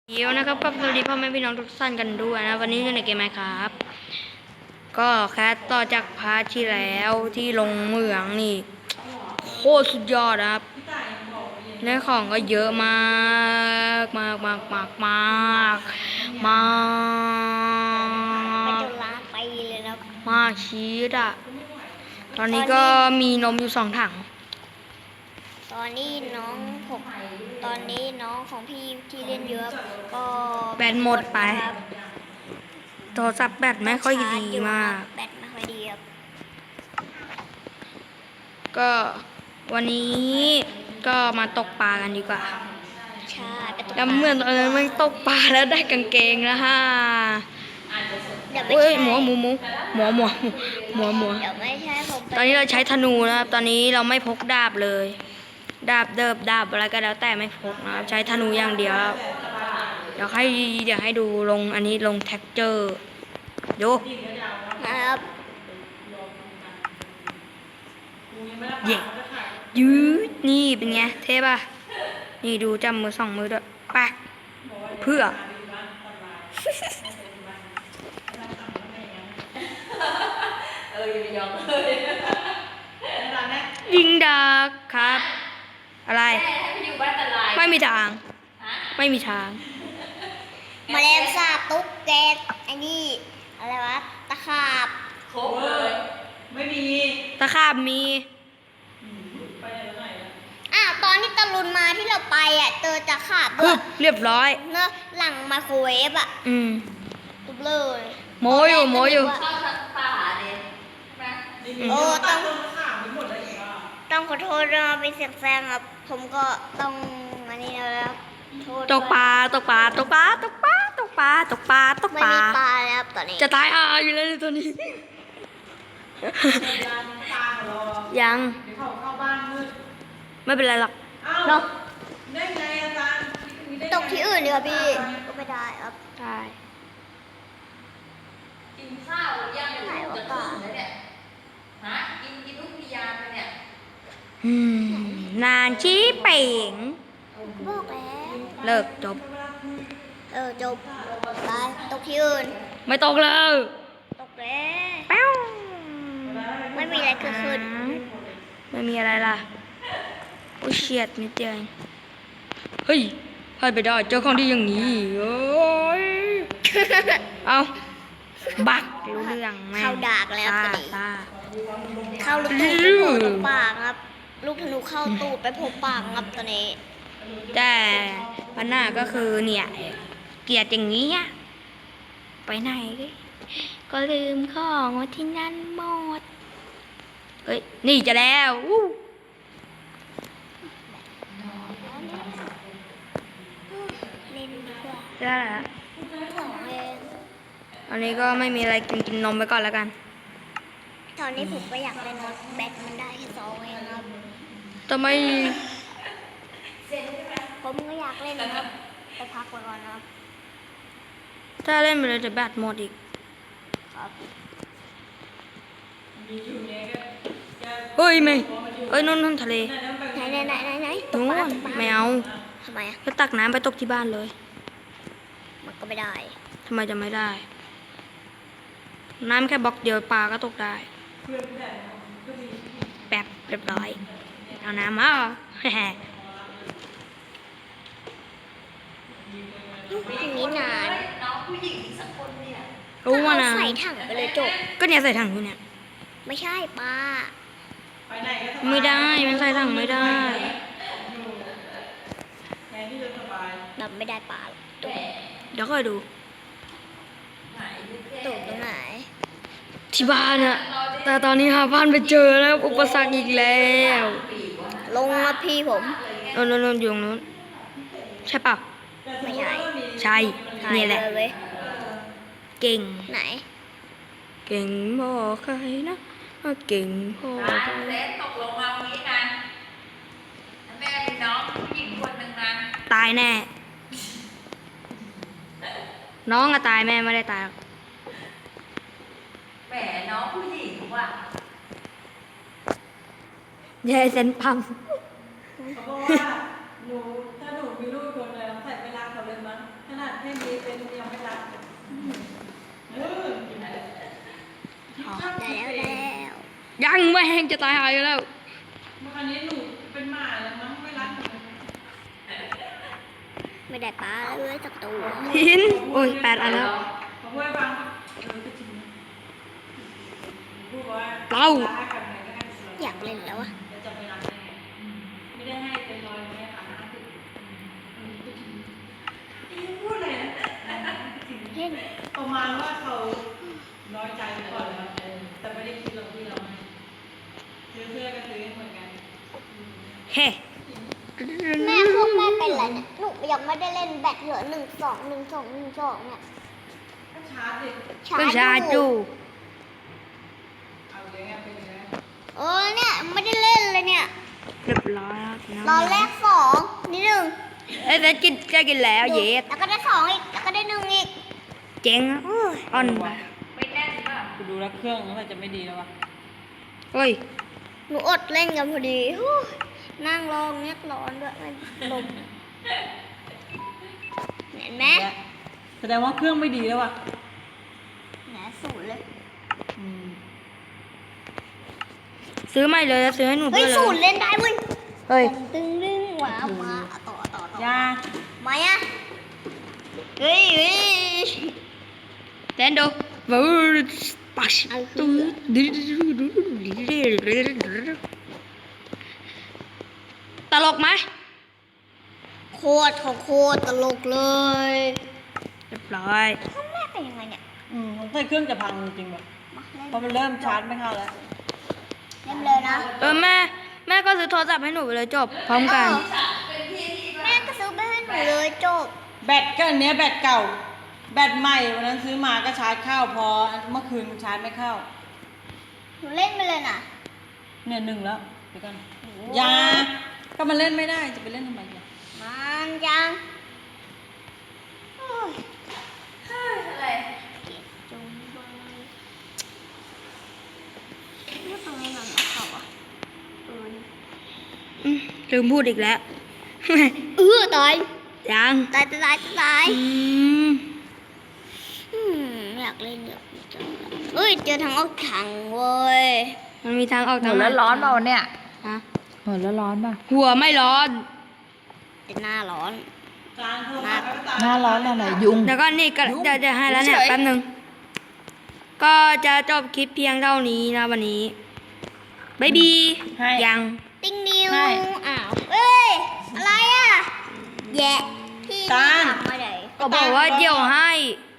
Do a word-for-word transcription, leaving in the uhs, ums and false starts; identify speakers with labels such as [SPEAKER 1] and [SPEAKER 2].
[SPEAKER 1] เดี๋ยวนะครับก็สวัสดีพ่อแม่พี่น้องทุกท่านกันด้วยนะวันนี้อยู่ในเกมไหมครับก็แคสต่อจากพาร์ทที่แล้วที่ลงเหมืองนี่โคตรสุดยอดนะครับเนื้อของก็เยอะมากมากมากมากมากมาก
[SPEAKER 2] มันจะล้าไปเลยนะ
[SPEAKER 1] มากชีสอ่ะตอนนี้ก็มีนมอยู่สองถัง
[SPEAKER 2] ตอนนี้น้องผมตอนนี้น้องของพี่ที่เล่นเยอะก็
[SPEAKER 1] แบตหมดไปโทรศัพท์แบตไม่ค่อยดีมาก
[SPEAKER 2] แบตไม่ค่อยดีครับ
[SPEAKER 1] ก็วันนี้ก็มาตกปลากันดีกว่า
[SPEAKER 2] ใช่
[SPEAKER 1] แล้วเมื่อตอนนั้นมันตกปลาแล้วได้กางเกงแล้วฮะเฮ้ยหมูหมูหมูหมูหมูหมูหมู
[SPEAKER 2] เดี๋ยวไม่ใช่ผม
[SPEAKER 1] ตอนนี้เราใช้ธนูนะครับตอนนี้เราไม่พกดาบเลยดาบเดิบดาบอะไรก็แล้วแต่ไม่พกนะครับใช้ธนูอย่างเดียวเดี๋ยวให้เดี๋ยวให้ดูลงอันนี้ลงแท็กเจอร์ดู
[SPEAKER 2] นะครับ
[SPEAKER 1] เย่ยืดนี่เป็นไงเท่ป่ะนี่ดูจำมือสองมือด้วยแป๊กเพื่อยิงดักครับอะไรไม่มีทางไม่มีทาง
[SPEAKER 2] แมลงสาบตุ๊กแกไอ้นี่อะไรวะตะขาบ
[SPEAKER 3] ครบเลยไม่มี
[SPEAKER 1] ตะขาบมี
[SPEAKER 3] ไปไหนแล้วไหน
[SPEAKER 2] อ่ะตอนที่ตะลุนมาที่เราไปอ่ะเจอตะขาบด้วย
[SPEAKER 1] เรียบร้อย
[SPEAKER 2] เนอะหลังไมโครเวฟอ่ะ
[SPEAKER 1] อืม
[SPEAKER 2] ตุ๊บเลย
[SPEAKER 1] โมอยู่โมอยู่
[SPEAKER 2] โอ้ต้องต้องขอโทษนะเป็นเสียงแซงครับผมก็ต้องอันนี้แล้ว
[SPEAKER 1] ตกปลาตกปลาตกปลาตกปลาตกปลาตกปลาตกปลา
[SPEAKER 2] ไม่มีปลาแล้วตอนนี้
[SPEAKER 1] จะตายอ่ะอยู่แล้วตัวนี้ยังไม่เป็นไรหรอก
[SPEAKER 3] เนาะได้ไงอาจารย์
[SPEAKER 2] ตกที่อื่นดีกว่าพี่ก็ไม่ได้ครับ
[SPEAKER 1] ได้
[SPEAKER 3] กินข้าวยังไม่ได้จะตื่นเลยเนี่ยฮะกินกินลูกพิยาไปเนี่ย
[SPEAKER 1] อืมนานชี้เป่ง
[SPEAKER 2] บอกแล้ว
[SPEAKER 1] เลิกจบ
[SPEAKER 2] เออจบไปตกที่อื่น
[SPEAKER 1] ไม่ตกเลย
[SPEAKER 2] ตกแล้ว
[SPEAKER 1] เป้า
[SPEAKER 2] ไม่มีอะไรเกิดขึ้น
[SPEAKER 1] ไม่มีอะไรล่ะโอ้เฉียดนิดเดียวเฮ้ยพลาดไปได้เจอของดีอย่างนี้โอ้ยเอาบักรู้เรื่องแม่
[SPEAKER 2] เข้าดากแล้วตอนนี้เข้าลูกธนูไปโผล่ตรงปากครับลูกธนูเข้าตูดไปโผล่ปากครับตอนนี้
[SPEAKER 1] แต่ปัญหาก็คือเนี่ยเกลียดอย่างนี้ไปไหนก็ลืมของไว้ที่นั่นหมดเอ้ยนี่จะแล้วอู้
[SPEAKER 2] เล่นดีกว่า
[SPEAKER 1] ได้แล้ว
[SPEAKER 2] สองเอง
[SPEAKER 1] อันนี้ก็ไม่มีอะไรกินกินนมไปก่อนแล้วกัน
[SPEAKER 2] ตอนนี้ผมก็อยากเล่นนะแบตมันได้แค่สองเองครับ
[SPEAKER 1] ทำไม
[SPEAKER 2] ผมก็อยากเล่นนะครับไปพักไว้ก่อนนะครับ
[SPEAKER 1] ถ้าเล่นไปเลยจะแบตหมดอีก
[SPEAKER 2] ครับ
[SPEAKER 1] เฮ้ยไม่เอ้ยนู่นนู่นทะเล
[SPEAKER 2] ไหนไหนไหนไหนไหน
[SPEAKER 1] นู่นไม่เอา
[SPEAKER 2] ทำไมอ่ะ
[SPEAKER 1] ก็ตักน้ำไปตกที่บ้านเลย
[SPEAKER 2] มันก็ไม่ได้
[SPEAKER 1] ทำไมจะไม่ได้น้ำแค่บล็อกเดียวปลาก็ตกได้แป๊บเรียบร้อยเอาน้ำมาแฮ่
[SPEAKER 2] นี้นาน
[SPEAKER 1] รู้ว่านะ
[SPEAKER 2] ใส่ถังไปเลยจบ
[SPEAKER 1] ก็เนี่ยใส่ถังอยู่เนี่ย
[SPEAKER 2] ไม่ใช่ปลา
[SPEAKER 1] ไม่ได้มันใส่ถังไม่ได้
[SPEAKER 2] แบบไม่ได้ปลาตัว
[SPEAKER 1] เดี๋ยวค่อยดู
[SPEAKER 2] ตัวตรงไหน
[SPEAKER 1] ที่บ้านอะแต่ตอนนี้หาบ้านไปเจอแล้วอุปสรรคอีกแล้ว
[SPEAKER 2] ลงมาพี่ผม
[SPEAKER 1] โน่นโน่นอยู่ตรงนู้นใช่เปล่า
[SPEAKER 2] ไม่ใช่
[SPEAKER 1] ใช่นี่แหละเก่ง
[SPEAKER 2] ไหน
[SPEAKER 1] เก่งพอใครนะเก่งพอใคร
[SPEAKER 3] ตกลงมาวันนี้นะแม่มีน้องผู้หญิงคนหนึ่งนะ
[SPEAKER 1] ตายแน่น้องอะตายแม่ไม่ได้ตายหรอก
[SPEAKER 3] แหมน้องผู้หญิงว่ะ
[SPEAKER 1] ยายเซนพัง
[SPEAKER 3] เขาบอกว่าหนูถ้าหนูมีลูกคนเลยใส่เวลาเขาเลยมั้งให้มีเป็นยังไม่รัก
[SPEAKER 2] ได้แล้วแล้ว
[SPEAKER 1] ยังไม่แห้งจะตายหายอยู่แล้ว
[SPEAKER 3] เมื่อวานนี้หนูเป็นหมาแล้วมั้งไม่รักหนู
[SPEAKER 2] ไม่ได้ปลาเลยสักตัว
[SPEAKER 1] หินโอ้ยแปดอันแล้ว
[SPEAKER 3] เขาพูดให้ฟังเออก็จริงนะพูดว่า
[SPEAKER 1] เต้า
[SPEAKER 3] รักกันไหนก็ได้
[SPEAKER 2] อยากเล่นแล้ววะ
[SPEAKER 3] แล้วจะไปรักได้ไงไม่ได้ให้เป็นร้อยไม่ได้ผ่านห้าสิบพูดอะไรนะ
[SPEAKER 2] เล่น
[SPEAKER 3] ประมาณว่าเขาน้อยใจก่อนแล้วแต่ไม่ได้คิดหรอกที่เราให้ซื้อเสื้อก็ซื้อเหมือนกัน
[SPEAKER 1] เฮ้
[SPEAKER 2] แม่พวกแม่เป็นอะไรเนี่ยหนูยังไม่ได้เล่นแบตเหลือหนึ่งสองหนึ่งสองหนึ่งสองเนี่ย
[SPEAKER 3] ก็ชาร์จดิ
[SPEAKER 1] ก็ชาจู
[SPEAKER 3] เอาเลยอ่ะเป็นไง
[SPEAKER 2] เออเนี่ยไม่ได้เล่นเลยเนี่ย
[SPEAKER 1] เรียบร้อยแล้ว
[SPEAKER 2] รอแรกสองนี่หนึ่ง
[SPEAKER 1] เอ้ยแต่กินจะกินแล้วเย็ด
[SPEAKER 2] แล้วก็ได้สองอีกแล้วก็ได้หนึ่งอีก
[SPEAKER 1] เจ๋งอ่ะอ่อนไป
[SPEAKER 3] ไม่แน่นป่ะกูดูแล้วเครื่องมันจะไม่ดีแล้ววะ
[SPEAKER 1] เฮ้ย
[SPEAKER 2] หนูอดเล่นกันพอดีฮู้นั่งรองเงียบร้อนด้วยมันลมเห็นไหม
[SPEAKER 3] แสดงว่าเครื่องไม่ดีแล้ววะ
[SPEAKER 2] แหนศูนย์เลย
[SPEAKER 3] อืม
[SPEAKER 1] ซื้อใหม่เลยแล้วซื้อให้หนูด้
[SPEAKER 2] เฮ้
[SPEAKER 1] วย ยเล
[SPEAKER 2] ศูน
[SPEAKER 1] ย
[SPEAKER 2] ย์เล่นได้เว้ย
[SPEAKER 1] เฮ้ย
[SPEAKER 2] ตึงดึงหวามาต่อต่อต่อย
[SPEAKER 3] า
[SPEAKER 2] มาอ่ะเฮ้ยเฮ้ย
[SPEAKER 1] เต้นดูวูดปัชตูตลกไหม
[SPEAKER 2] โคตรของโคตรตลกเลย
[SPEAKER 1] เรียบร้อย
[SPEAKER 2] พ่อแม่เป็นยังไงเนี่ย
[SPEAKER 3] อืมผมใส่เครื่องจะพังจริงๆแบบ
[SPEAKER 2] มาเล่น
[SPEAKER 3] เพราะมันเริ่มชาร์จไม่เข้าแล้ว
[SPEAKER 2] เล่นเลยนะ
[SPEAKER 1] เออแม่แม่ก็ซื้อโทรศัพท์ให้หนูไปเลยจบพร้อมกัน
[SPEAKER 2] เออแม่ก็ซื้อไปให้หนูเลยจบ
[SPEAKER 3] แบตก็อันเนี้ยแบตเก่า แบตใหม่วันนั้นซื้อมาก็ชาร์จเข้าพอเมื่อคืนชาร์จไม่เข้า
[SPEAKER 2] หนูเล่นไปเลยนะ
[SPEAKER 3] เนี่ยหนึ่งแล้วเดี๋ยวกันยาก็มันเล่นไม่ได้จะไปเล่นทำไมเนี่ย
[SPEAKER 2] มันยังโอ้ย
[SPEAKER 3] อะไร
[SPEAKER 2] จงไว้แล้วทำไมมันไม่เข้าอ่ะเออนี่
[SPEAKER 1] อืมลืมพูดอีกแล้ว
[SPEAKER 2] เออตาย
[SPEAKER 1] ยัง
[SPEAKER 2] ตายตายตายตาย
[SPEAKER 1] อืม
[SPEAKER 2] อืมอยากเล่นเยอะจังเลยเอ้ยเจอทางออกทางเว้ย
[SPEAKER 1] มันมีทางออก
[SPEAKER 3] หั
[SPEAKER 1] ทาง
[SPEAKER 3] ว
[SPEAKER 1] ไห
[SPEAKER 3] แล้วร้อนเปล่าเนี่ย
[SPEAKER 1] ฮะ
[SPEAKER 3] หัวแล้วร้อนป่ะ
[SPEAKER 1] หัวไม่ร้อน
[SPEAKER 2] เป็นหน้าร้อน
[SPEAKER 3] หน้าร้อนอะไรยุง
[SPEAKER 1] เดี๋ยวก็นี่ก็เดี๋ยวจะให้แล้วเนี่ยแป๊บหนึงก็จะจบคลิปเพียงเท่านี้นะวันนี้บายบี
[SPEAKER 3] ให้
[SPEAKER 1] ยัง
[SPEAKER 2] ติ้งนิว
[SPEAKER 3] ใช่
[SPEAKER 2] อ้าวเอ้ยอะไรอ่ะแยะพี่
[SPEAKER 3] ตาล
[SPEAKER 2] ถามมาไหน
[SPEAKER 1] ก็บอกว่าเดี๋ยวให้
[SPEAKER 2] อ